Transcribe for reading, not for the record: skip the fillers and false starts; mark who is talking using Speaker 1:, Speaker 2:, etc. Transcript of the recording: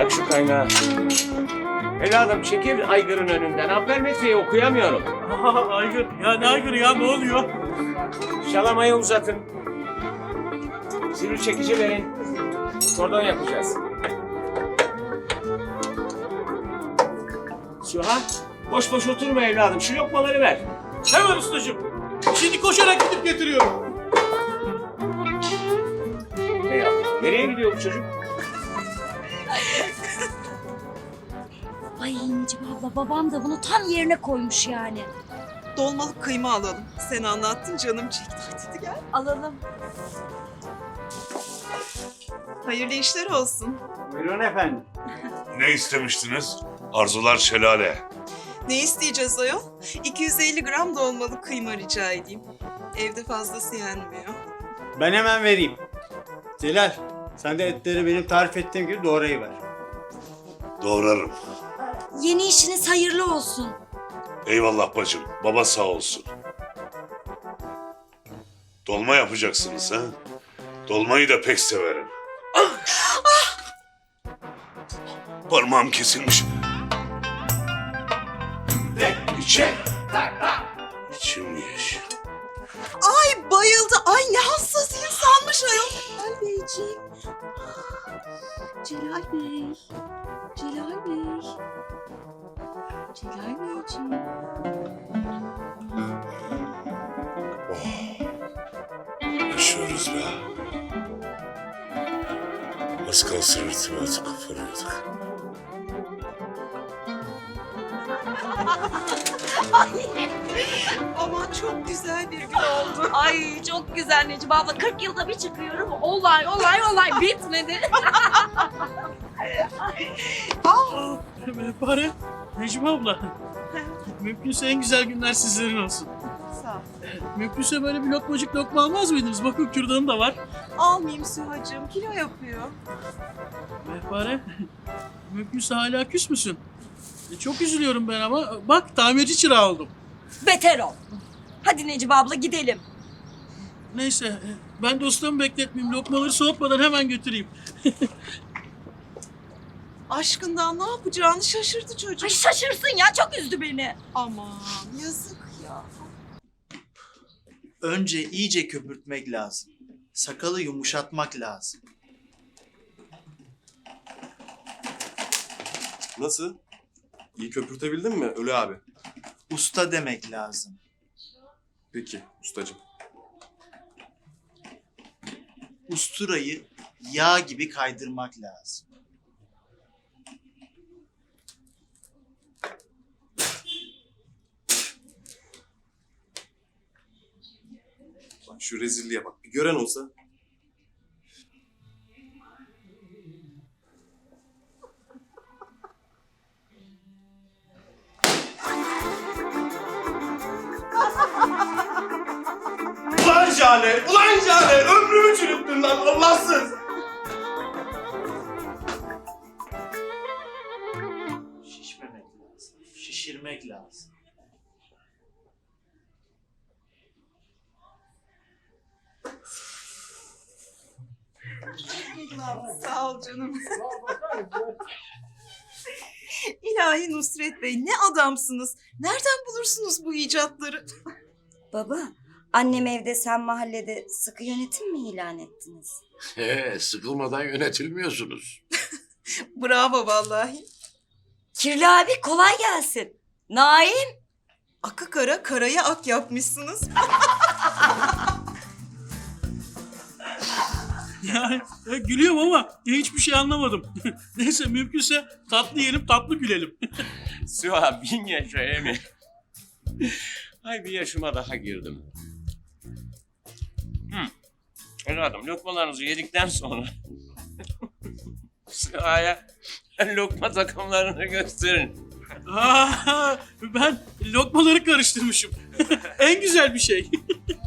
Speaker 1: Yak şu kaynağı. Evladım çekil aygırın önünden. Ampermetreyi okuyamıyorum.
Speaker 2: Aygır. Ya ne aygırı ya, ne oluyor?
Speaker 1: Şalamayı uzatın. Sivri çekici verin. Kordon yapacağız. Süha, boş boş oturma evladım. Şu lokmaları ver.
Speaker 2: Hemen ustacığım. Şimdi koşarak gidip getiriyorum.
Speaker 1: Ne yaptın? Nereye gidiyor bu çocuk?
Speaker 3: Ay Necip abla, babam da bunu tam yerine koymuş yani.
Speaker 4: Dolmalık kıyma alalım. Sen anlattın, canım çekti. Hadi gel.
Speaker 3: Alalım.
Speaker 4: Hayırlı işler olsun.
Speaker 5: Buyurun efendim.
Speaker 6: Ne istemiştiniz? Arzular şelale.
Speaker 4: Ne isteyeceğiz ayol? 250 gram dolmalık kıyma rica edeyim. Evde fazlası yenmiyor.
Speaker 5: Ben hemen vereyim. Celal, sen de etleri benim tarif ettiğim gibi doğrayıver.
Speaker 6: Doğrarım.
Speaker 3: Yeni işiniz hayırlı olsun.
Speaker 6: Eyvallah bacım. Baba sağ olsun. Dolma yapacaksınız ha? Dolmayı da pek severim. Parmağım kesilmiş. İçim yeş.
Speaker 4: Ay bayıldı. Ay ne hassas insanmış ayol. Celal Beyciğim. Celal Bey. Celal Bey. Celal Beyciğim.
Speaker 6: Yaşıyoruz be. Az kalsın irtibatı koparıyorduk.
Speaker 4: Aman çok güzel bir gün oldu.
Speaker 3: Ay çok güzel Necip abla. 40 yılda bir çıkıyorum. Olay bitmedi.
Speaker 2: Mehpare, Necmi abla. Mümkünse en güzel günler sizlerin olsun.
Speaker 4: Sağ ol.
Speaker 2: Mümkünse böyle bir lokmacık lokma almaz mıydınız? Bakın kürdanım da var.
Speaker 4: Almayayım Süha'cığım. Kilo yapıyor.
Speaker 2: Mehpare, mümkünse hala küs müsün? Çok üzülüyorum ben ama. Bak tamirci çırağı oldum.
Speaker 3: Beter ol. Hadi Necip abla gidelim.
Speaker 2: Neyse ben de ustamı bekletmeyeyim. Lokmaları soğutmadan hemen götüreyim.
Speaker 4: Aşkından ne yapacağını şaşırdı çocuk.
Speaker 3: Ay şaşırsın ya, çok üzdü beni.
Speaker 4: Aman yazık ya.
Speaker 7: Önce iyice köpürtmek lazım. Sakalı yumuşatmak lazım.
Speaker 8: Nasıl? İyi köpürtebildin mi Ölü abi?
Speaker 7: Usta demek lazım.
Speaker 8: Peki ustacığım.
Speaker 7: Usturayı yağ gibi kaydırmak lazım.
Speaker 8: Bak şu rezilliğe bak. Bir gören olsa. Ulan Jale! Ulan Jale! Ömrümü çürüttün lan Allahsız!
Speaker 7: Şişmemek lazım. Şişirmek lazım.
Speaker 4: Sağ ol canım. İlahi Nusret Bey ne adamsınız. Nereden bulursunuz bu icatları?
Speaker 3: Baba, annem evde, sen mahallede sıkı yönetim mi ilan ettiniz?
Speaker 9: Sıkılmadan yönetilmiyorsunuz.
Speaker 4: Bravo vallahi.
Speaker 3: Kirli abi kolay gelsin. Naim.
Speaker 4: Akı kara karaya ak yapmışsınız.
Speaker 2: Yani gülüyorum ama hiçbir şey anlamadım. Neyse mümkünse tatlı yiyelim, tatlı gülelim.
Speaker 1: Süha 1000 yaşa Emi. Ay bir yaşıma daha girdim. Evladım lokmalarınızı yedikten sonra Süha'ya lokma takımlarını gösterin.
Speaker 2: Ben lokmaları karıştırmışım. En güzel bir şey.